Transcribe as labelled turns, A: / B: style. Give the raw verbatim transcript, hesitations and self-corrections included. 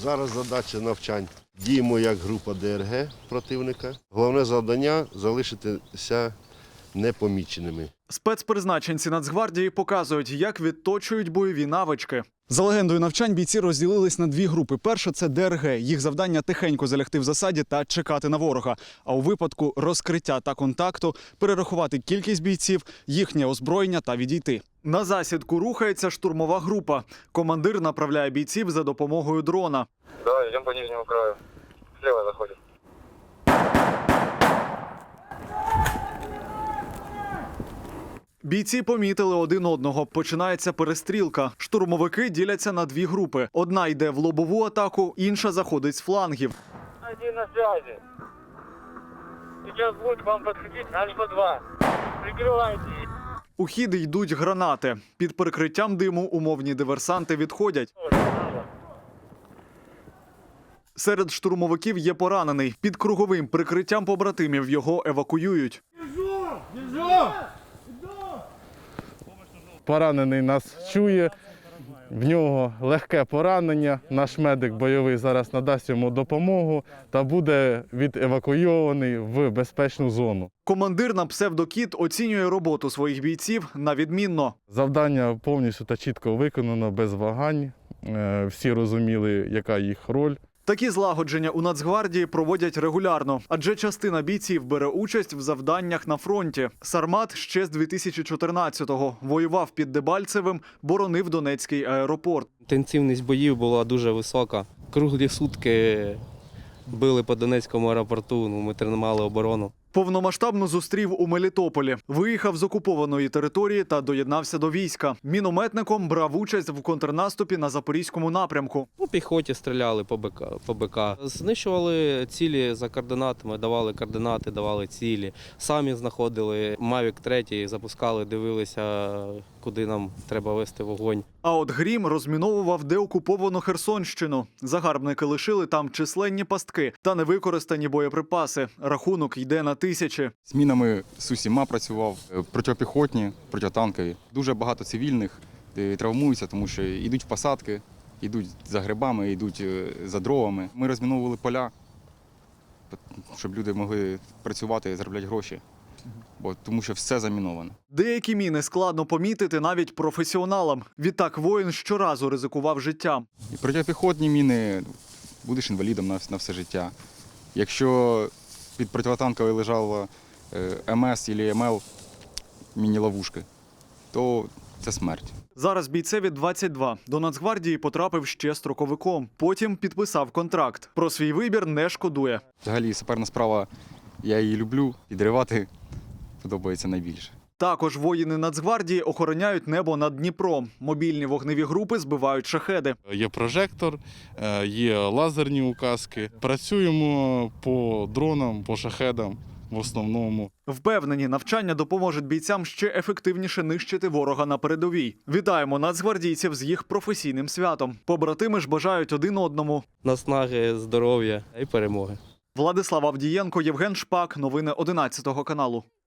A: Зараз задача навчань. Діємо як група ДРГ противника. Головне завдання – залишитися непоміченими.
B: Спецпризначенці Нацгвардії показують, як відточують бойові навички. За легендою навчань бійці розділились на дві групи. Перша – це ДРГ. Їх завдання – тихенько залягти в засаді та чекати на ворога. А у випадку розкриття та контакту – перерахувати кількість бійців, їхнє озброєння та відійти. На засідку рухається штурмова група. Командир направляє бійців за допомогою дрона.
C: Да, идем по нижнему краю. Слева заходит.
B: Бійці помітили один одного. Починається перестрілка. Штурмовики діляться на дві групи. Одна йде в лобову атаку, інша заходить з флангів.
C: Один на связи. Сейчас будет к вам подходить Альфа два. Прикрывайте.
B: У хід йдуть гранати. Під прикриттям диму умовні диверсанти відходять. Серед штурмовиків є поранений. Під круговим прикриттям побратимів його евакуюють.
D: Поранений нас чує, в нього легке поранення. Наш медик бойовий зараз надасть йому допомогу та буде відевакуйований в безпечну зону.
B: Командир на псевдокіт оцінює роботу своїх бійців на відмінно.
D: Завдання повністю та чітко виконано, без вагань. Е, Всі розуміли, яка їх роль.
B: Такі злагодження у Нацгвардії проводять регулярно, адже частина бійців бере участь в завданнях на фронті. Сармат ще з дві тисячі чотирнадцятого воював під Дебальцевим, боронив Донецький аеропорт.
E: Інтенсивність боїв була дуже висока. Круглі сутки били по Донецькому аеропорту, ну, ми тримали оборону.
B: Повномасштабно зустрів у Мелітополі. Виїхав з окупованої території та доєднався до війська. Мінометником брав участь в контрнаступі на Запорізькому напрямку.
E: По піхоті стріляли по БК, по БК. Знищували цілі за координатами, давали координати, давали цілі. Самі знаходили Мавік три, запускали, дивилися, куди нам треба вести вогонь.
B: А от Грім розміновував деокуповану Херсонщину. Загарбники лишили там численні пастки та невикористані боєприпаси. Рахунок йде на тисячі.
F: З мінами з усіма працював, протипіхотні, протитанкові. Дуже багато цивільних е, травмуються, тому що йдуть в посадки, йдуть за грибами, йдуть е, за дровами. Ми розміновували поля, щоб люди могли працювати і заробляти гроші, бо, тому що все заміновано.
B: Деякі міни складно помітити навіть професіоналам. Відтак воїн щоразу ризикував життям.
F: І протипіхотні міни будеш інвалідом на, на все життя. Якщо під протитанковою лежала ем ес або ем ел, міні-ловушки, то це смерть.
B: Зараз бійцеві двадцять два. До Нацгвардії потрапив ще строковиком. Потім підписав контракт. Про свій вибір не шкодує.
F: Взагалі саперна справа, я її люблю, підривати подобається найбільше.
B: Також воїни Нацгвардії охороняють небо над Дніпром. Мобільні вогневі групи збивають шахеди.
D: Є прожектор, е, є лазерні указки. Працюємо по дронам, по шахедам в основному.
B: Впевнені, навчання допоможуть бійцям ще ефективніше нищити ворога на передовій. Вітаємо нацгвардійців з їх професійним святом. Побратими ж бажають один одному
E: Наснаги, здоров'я і перемоги.
B: Владислав Авдієнко, Євген Шпак. Новини одинадцятого каналу.